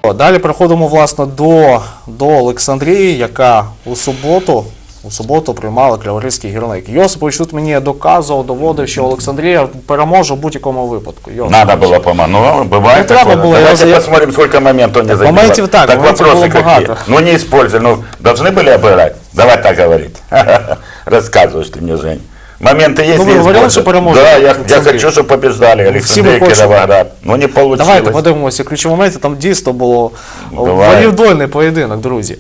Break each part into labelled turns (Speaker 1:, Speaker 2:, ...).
Speaker 1: Далі переходимо, власне, до Олександрії, яка у суботу приймала Криворізький Гірник. Йосипович тут мені доказував, доводив, що Олександрія переможе в будь-якому випадку.
Speaker 2: Надо было помочь. Ну, бывает такое. Давайте посмотрим, сколько моментов он не забил.
Speaker 1: Моментів так,
Speaker 2: вопросы какие.
Speaker 1: багато.
Speaker 2: Ну, не использовали. Ну, должны были обыграть. Давай так говорить. Рассказываешь ты мне, Жень. Моменты есть,
Speaker 1: Ну, вы говорили, что переможет.
Speaker 2: Да, я хочу, чтобы побеждали Александрия, Кировоград. Ну, не получилось.
Speaker 1: Давайте подивимося ключові моменти. Там дійсно було волівдольний поєдинок, друзі.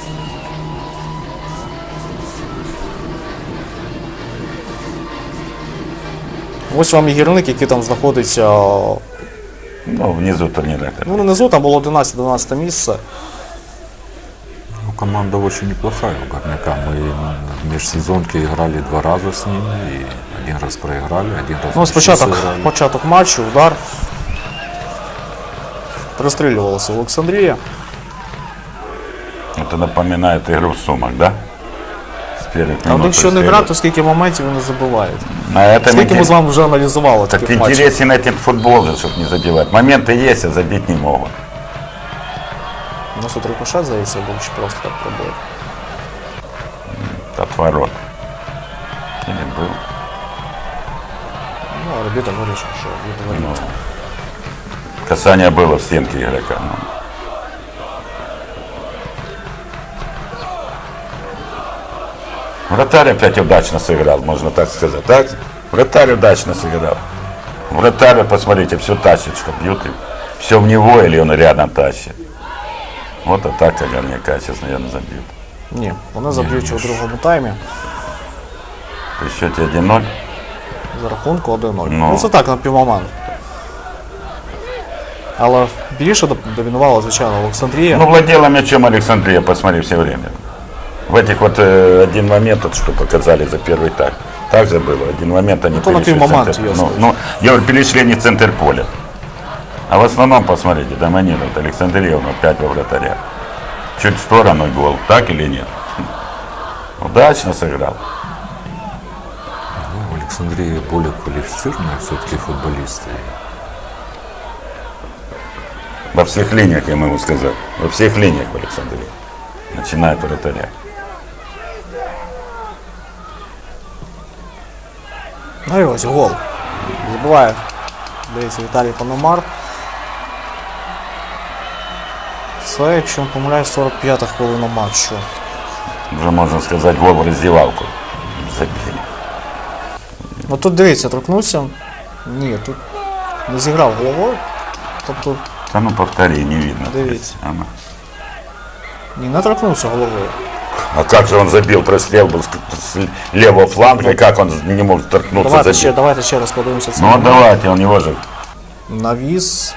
Speaker 1: Ось вам і Гірник, який там знаходиться,
Speaker 2: ну, внизу турнира.
Speaker 1: ну, внизу, там було 11-12 місце.
Speaker 3: Ну, команда очень неплохая у Горняка. Мы в межсезонке играли 2 раза с ними, и 1 раз проиграли, 1 раз
Speaker 1: Ну, початок матчу, удар. Пристрілювалася Олександрія.
Speaker 2: Это напоминает игру в Сумах, да?
Speaker 1: А один що не грає, то скільки моментів вони забивають.
Speaker 2: А
Speaker 1: Скільки ми з вами вже аналізували
Speaker 2: так
Speaker 1: таких матчів.
Speaker 2: интересен этот футбол, чтобы не забивать. Моменты есть, а забить не могут.
Speaker 1: У нас тут рикошет, здається, був, чи просто так пробив.
Speaker 2: От ворот. Или был?
Speaker 1: Ну, арбітр вирішив, що відворіт.
Speaker 2: Касание было в стенке игрока. Ну. Вратарь опять удачно сыграл, можно так сказать. Так? Вратарь удачно сыграл. Вратарь, посмотрите, все тащит, что бьют. Все в него или он рядом тащит. Вот атака Горняка сейчас, наверное, забьют.
Speaker 1: Ні, вони заб'ють у другому таймі.
Speaker 2: При счете 1-0.
Speaker 1: За рахунку 1-0.
Speaker 2: Ну.
Speaker 1: Ну, це так, на півмомент. Але більше домінувала, звичайно, Олександрія.
Speaker 2: Ну, владела мячом Александрия, посмотри, все время. В этих вот один момент, вот, что показали за первый тайм. Так же было. Один момент они перешли в центр. Я говорю, перешли не в центр поля. А в основном, посмотрите, доминирует Александрия, 5 во вратаря. Чуть в сторону гол, так или нет? Удачно сыграл.
Speaker 3: Ну, в Александрии более квалифицированные все-таки футболисты.
Speaker 2: Во всех линиях, я могу сказать. Во всех линиях в Александрии. Начиная от вратаря.
Speaker 1: Ну і ось гол. Забиває, здається, Віталій Пономар. Це, якщо не помиляюсь, 45-та хвилина матчу.
Speaker 2: Уже можно сказать, гол в раздевалку. Забили.
Speaker 1: Ну тут дивіться, торкнувся. Ні, тут не зіграв головою. Тобто,
Speaker 2: Да ну повтори, не видно.
Speaker 1: Дивіться.
Speaker 2: Ага.
Speaker 1: ні, не торкнувся головою.
Speaker 2: А как же он забил, прострел был с левого фланга, и как он не мог торкнуться, забить?
Speaker 1: Давайте ще раз подивимося це.
Speaker 2: Ну давайте, у него же...
Speaker 1: Навіс.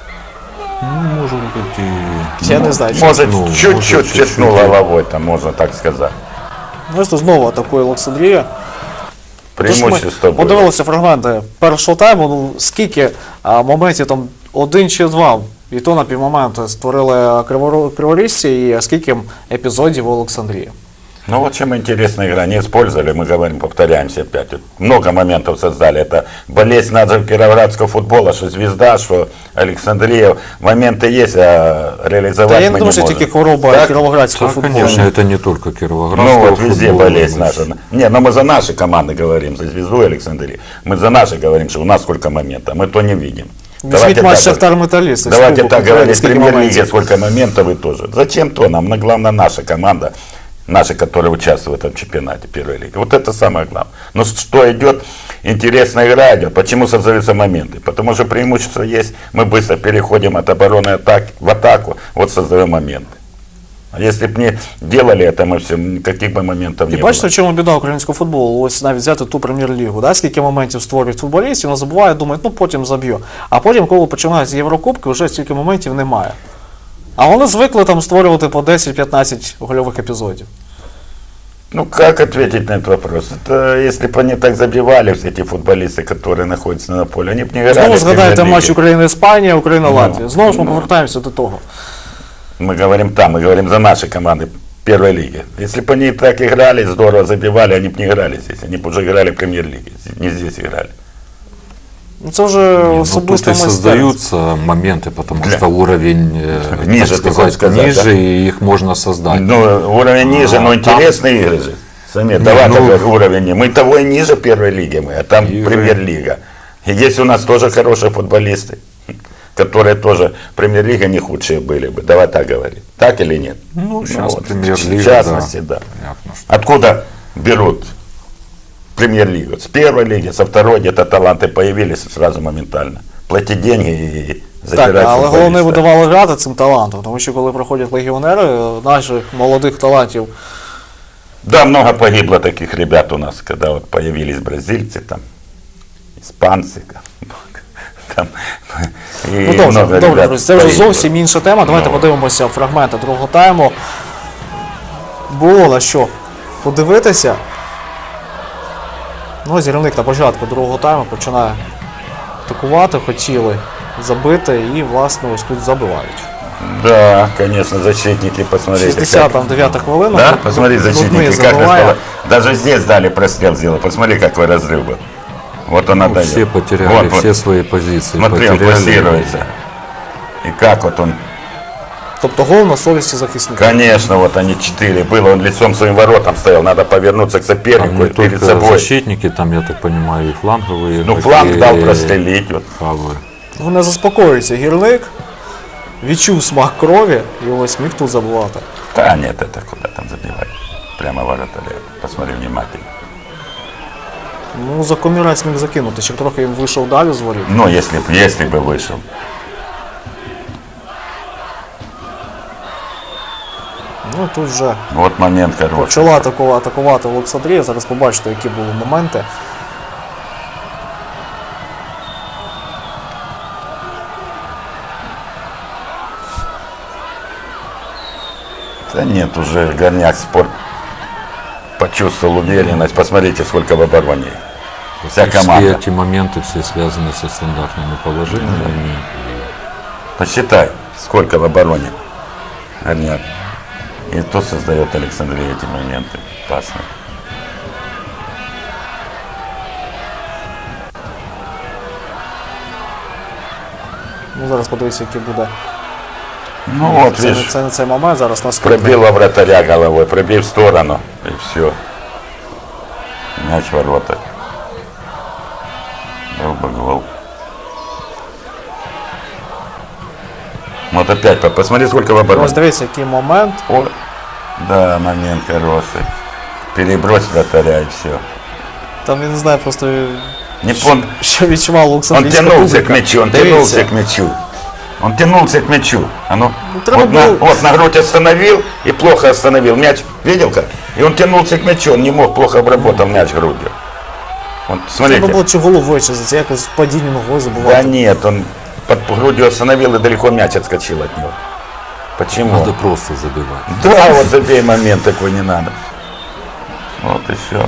Speaker 3: Ну, может быть, и...
Speaker 1: Я не знаю.
Speaker 2: Может,
Speaker 3: Ну,
Speaker 2: чуть-чуть
Speaker 3: может,
Speaker 2: чертнул
Speaker 3: чуть-чуть.
Speaker 2: головой, там можно так сказать.
Speaker 1: Ну, що знову атакує Олександрія.
Speaker 2: Преимущество было.
Speaker 1: Подивилися фрагменти першого тайму, ну скільки моментів там 1 чи 2, і то на півмоменту створили криворізці, і скільки епізодів у Олександрії.
Speaker 2: Ну вот чем интересна игра. Не использовали, мы говорим, повторяемся опять. Вот много моментов создали. Это болезнь нашего кировоградского футбола, что Звезда, что Александрия. Моменты есть, а реализовать
Speaker 1: Та я
Speaker 2: мы
Speaker 1: не
Speaker 2: не
Speaker 1: думаю, що
Speaker 2: можем.
Speaker 1: тільки хвороба
Speaker 2: Так?
Speaker 1: кіровоградського
Speaker 3: Да,
Speaker 1: футболу.
Speaker 3: конечно, это не только Кировоградского
Speaker 2: Ну вот везде
Speaker 3: футбола,
Speaker 2: болезнь
Speaker 3: но
Speaker 2: наша. Не, но мы за наши команды говорим, за Звезду и Александрию. Мы за наши говорим, что у нас сколько моментов, мы то не видим.
Speaker 1: Візьміть матч
Speaker 2: так,
Speaker 1: Шахтар-Металіст.
Speaker 2: давайте так говорить, в
Speaker 1: скільки
Speaker 2: премьер-лиге
Speaker 1: моментів.
Speaker 2: сколько моментов и тоже. Зачем то нам? Главное наша команда, наши, которые участвуют в этом чемпионате первой лиги. Вот это самое главное. Но что идет, интересная игра идет. Почему создаются моменты? Потому что преимущество есть, мы быстро переходим от обороны в атаку, вот создаем моменты. А если бы не делали это, мы все, никаких бы моментов не
Speaker 1: І
Speaker 2: было.
Speaker 1: бачите, в чому біда українського футболу? Ось навіть взяти ту прем'єр-лігу, да? Скільки моментів створюють футболістів, вони забувають, думають, ну потім заб'ю. А потім, коли починаються Єврокубки, вже стільки моментів немає. А вони звикли там створювати по 10-15 гольових епізодів.
Speaker 2: Ну, как ответить на этот вопрос? Это если бы они так забивали, все эти футболисты, которые находятся на поле, они бы не играли.
Speaker 1: Знову
Speaker 2: в
Speaker 1: згадаєте
Speaker 2: премьер-лиге.
Speaker 1: матч Україна-Іспанія, Україна-Латвія. Знову ж ми повертаємося до того.
Speaker 2: Мы говорим там, мы говорим за наши команды первой лиги. Если бы они так играли, здорово забивали, они бы не играли здесь. Они бы уже играли в премьер-лиге, не здесь играли.
Speaker 1: Ну, це вже
Speaker 3: Не, ну, тут
Speaker 1: особисто
Speaker 3: и
Speaker 1: майстерність.
Speaker 3: создаются моменты, потому
Speaker 2: Для-
Speaker 3: что уровень,
Speaker 2: Ниже,
Speaker 3: так
Speaker 2: ты хочешь
Speaker 3: сказать,
Speaker 2: сказать,
Speaker 3: ниже,
Speaker 2: да?
Speaker 3: и их можно создать.
Speaker 2: Ну, уровень ниже, но
Speaker 3: там-
Speaker 2: интересные игры же. Самир,
Speaker 3: Не,
Speaker 2: давай
Speaker 3: ну-
Speaker 2: так уровень. Мы того и ниже первой лиги, мы, а там
Speaker 3: Игры.
Speaker 2: премьер-лига. И есть у нас тоже хорошие футболисты, которые тоже премьер-лига не худшие были бы. Давай так говорить. Так или нет?
Speaker 3: Ну, сейчас
Speaker 2: вот,
Speaker 3: премьер-лига,
Speaker 2: В частности, да.
Speaker 3: Понятно, что-
Speaker 2: Откуда берут премьер-лигу? С первой лиги, со второй где-то таланты появились сразу моментально. Платить деньги и забирать
Speaker 1: Так, але головне
Speaker 2: футболиста.
Speaker 1: видавали грати цим талантом, тому що коли приходять легіонери, наших молодих талантів,
Speaker 2: Да, много погибло таких ребят у нас, когда вот появились бразильцы, там, испанцы, там, и
Speaker 1: ну добре,
Speaker 2: много
Speaker 1: добре,
Speaker 2: ребят
Speaker 1: друзі, це вже
Speaker 2: погибло.
Speaker 1: зовсім інша тема. Давайте
Speaker 2: Ну.
Speaker 1: подивимося фрагменти другого тайму. Було на що подивитися. Ну, ось Гірник на початку другого тайму починає атакувати, хотіли забити і, власне, ось тут забивають.
Speaker 2: Да, конечно, защитники, посмотрите.
Speaker 1: 69-та хвилина.
Speaker 2: Да,
Speaker 1: Грудний
Speaker 2: посмотри, защитники, как
Speaker 1: забиває.
Speaker 2: распало- даже здесь дали прострел сделать. Посмотри, какой разрыв был. Вот он
Speaker 3: Ну,
Speaker 2: отдает.
Speaker 3: все потеряли,
Speaker 2: Вот,
Speaker 3: все
Speaker 2: вот.
Speaker 3: свои позиции
Speaker 2: Смотри, он
Speaker 3: потеряли.
Speaker 2: плассируется. И как вот он,
Speaker 1: Тобто гол на совісті захисника.
Speaker 2: конечно, вот они 4 было, он лицом своим воротам стоял, надо повернуться к
Speaker 3: Там
Speaker 2: сопернику
Speaker 3: не
Speaker 2: и перед
Speaker 3: только
Speaker 2: собой.
Speaker 3: защитники, там, я так понимаю, и фланговые.
Speaker 2: Ну,
Speaker 3: игроки,
Speaker 2: фланг дал
Speaker 3: и
Speaker 2: прострелить. Вот.
Speaker 3: фавы.
Speaker 1: Ну, не заспокоюється Гірник. Відчув смак крові і ось міг тут забувати.
Speaker 2: Да нет, это куда там забивать? Прямо вратаря. Посмотри внимательно.
Speaker 1: Ну, за комірець міг закинути, ще трохи він вийшов далі з воріт.
Speaker 2: Ну, если бы вышел.
Speaker 1: Ну, тут вже
Speaker 2: Вот момент хороший.
Speaker 1: почала атакувати Олександрія. Зараз побачите, які були моменти.
Speaker 2: Да нет, уже Горняк спорт почувствовал уверенность. Посмотрите, сколько в обороне. Вся
Speaker 3: Все
Speaker 2: команда.
Speaker 3: эти моменты все связаны со стандартными положениями.
Speaker 2: Посчитай, сколько в обороне Горняк. И то создает Александрия эти моменты. Опасно.
Speaker 1: Ну, зараз подивіться, який буде.
Speaker 2: Ну вот,
Speaker 1: Це,
Speaker 2: видишь,
Speaker 1: це не цей момент, зараз наступний.
Speaker 2: пробила вратаря головой, пробей в сторону, и все. Мяч в ворота. Был бы гол. Вот опять, посмотри, сколько в
Speaker 1: Ось
Speaker 2: обороне.
Speaker 1: дивіться, який момент.
Speaker 2: О, да, момент хороший. Перебрось вратаря и все.
Speaker 1: Там, я не знаю, просто
Speaker 2: Не пон...
Speaker 1: що відчував
Speaker 2: Он
Speaker 1: Олександрійська
Speaker 2: тянулся
Speaker 1: публіка.
Speaker 2: к мячу, он
Speaker 1: Дивіться.
Speaker 2: тянулся к мячу. Он тянулся к мячу. А ну,
Speaker 1: треба
Speaker 2: вот, на,
Speaker 1: було-
Speaker 2: вот на грудь остановил и плохо остановил. Мяч, видел как? И он тянулся к мячу, он не мог, плохо обработал мяч грудью. Вот,
Speaker 1: Треба
Speaker 2: смотрите.
Speaker 1: було чи голову вичистити, якось в падінні ногою
Speaker 2: Да
Speaker 1: забувати.
Speaker 2: нет, он под грудью остановил и далеко мяч отскочил от него. Почему?
Speaker 3: Надо просто забивать.
Speaker 2: Да, вот забей момент такой не надо. Вот и все.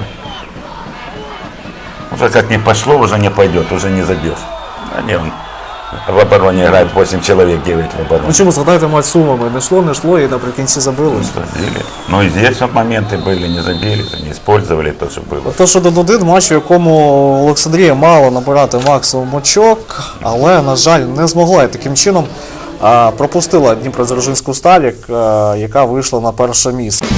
Speaker 2: Уже как не пошло, уже не пойдет, уже не забьешь. А не, он в обороне играет 8 человек, 9 в обороне.
Speaker 1: Ну чому, згадайте матч з Сумами, не йшло і наприкінці забили.
Speaker 2: Забили. Ну и здесь вот моменты были, не забили, не использовали то, что было.
Speaker 1: Те, що 1-1 матч, у якому Олександрія мала набирати максимум очок, але, на жаль, не змогла. І таким чином пропустила Дніпродзержинську Сталь, яка вийшла на перше місце.